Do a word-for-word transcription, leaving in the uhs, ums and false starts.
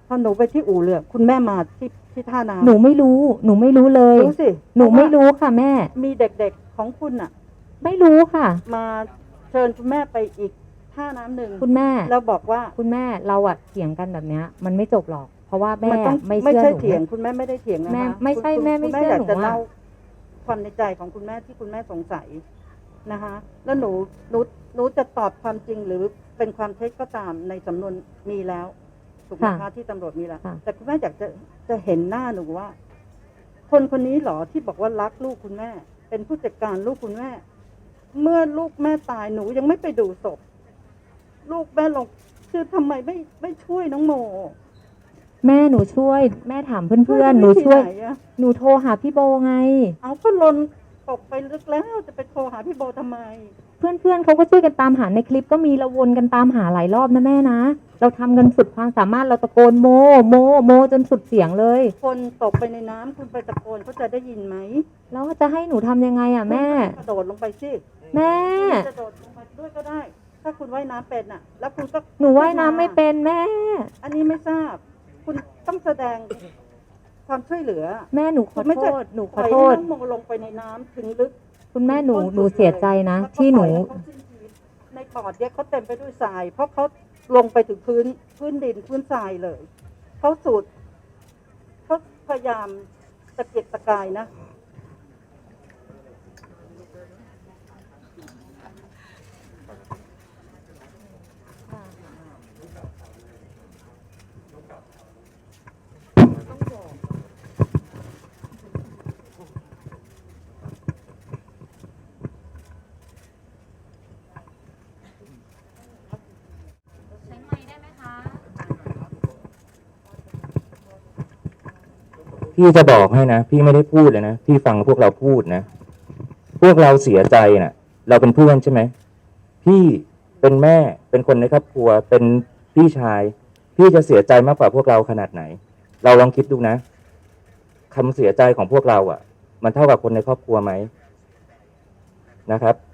พอหนูไปที่อู่เรือคุณแม่มาที่ที่ท่าน้ำหนูไม่รู้หนูไม่รู้เลยรู้สิหนูไม่รู้ค่ะแม่มีเด็กๆของคุณน่ะไม่รู้ค่ะมาเชิญคุณแม่ไปอีกท่าน้ำหนึ่งคุณแม่แล้วบอกว่าคุณแม่เราอะเถียงกันแบบเนี้ยมันไม่จบหรอกเพราะว่าแม่ไม่ไม่เชื่อใช่หนูเถียงคุณแม่ไม่ได้เถียงนะคะแม่ไม่ใช่แม่ไม่เชื่อหนูจะเล่าความในใจของคุณแม่ที่คุณแม่สงสัยนะคะแล้วหนูหนูหนูจะตอบความจริงหรือเป็นความเท็จก็ตามในสำนวนมีแล้วถูกไหมคะที่ตำรวจมีแล้วแต่คุณแม่อยากจะจะเห็นหน้าหนูว่าคนคนนี้หรอที่บอกว่ารักลูกคุณแม่เป็นผู้จัดการลูกคุณแม่เมื่อลูกแม่ตายหนูยังไม่ไปดูศพลูกแม่ลงคือทำไมไม่ไม่ช่วยน้องโมแม่หนูช่วยแม่ถามเพื่อนๆหนูช่วยหนูโทรหาพี่โบไงเอาก็ลนตกไปลึกแล้วจะไปโทรหาพี่โบทำไมเพื่อนๆเขาก็ช่วยกันตามหาในคลิปก็มีเราวนกันตามหาหลายรอบนะแม่นะเราทำกันสุดความสามารถเราตะโกนโมโมโมจนสุดเสียงเลยคนตกไปในน้ำคุณไปตะโกนเขาจะได้ยินไหมแล้วจะให้หนูทำยังไงอ่ะแม่กระโดดลงไปสิแม่กระโดดลงไปด้วยก็ได้ถ้าคุณว่ายน้ำเป็นอ่ะแล้วคุณก็หนูว่ายน้ำไม่เป็นแม่อันนี้ไม่ทราบคุณต้องแสดงความช่วยเหลือแม่หนูขอโทษหนูขอโทษน้องโมลงไปในน้ำถึงลึกคุณแม่หนูหนูเสียใจนะที่หนูในปอดเนี่ยเขาเต็มไปด้วยทรายเพราะเขาลงไปถึงพื้นพื้นดินพื้นทรายเลยเขาสูดเขาพยายามตะเกียกตะกายนะพี่จะบอกให้นะพี่ไม่ได้พูดเลยนะพี่ฟังพวกเราพูดนะพวกเราเสียใจนะเราเป็นเพื่อนใช่ไหมพี่เป็นแม่เป็นคนในครอบครัวเป็นพี่ชายพี่จะเสียใจมากกว่าพวกเราขนาดไหนเราลองคิดดูนะคำเสียใจของพวกเราอ่ะมันเท่ากับคนในครอบครัวไหมนะครับ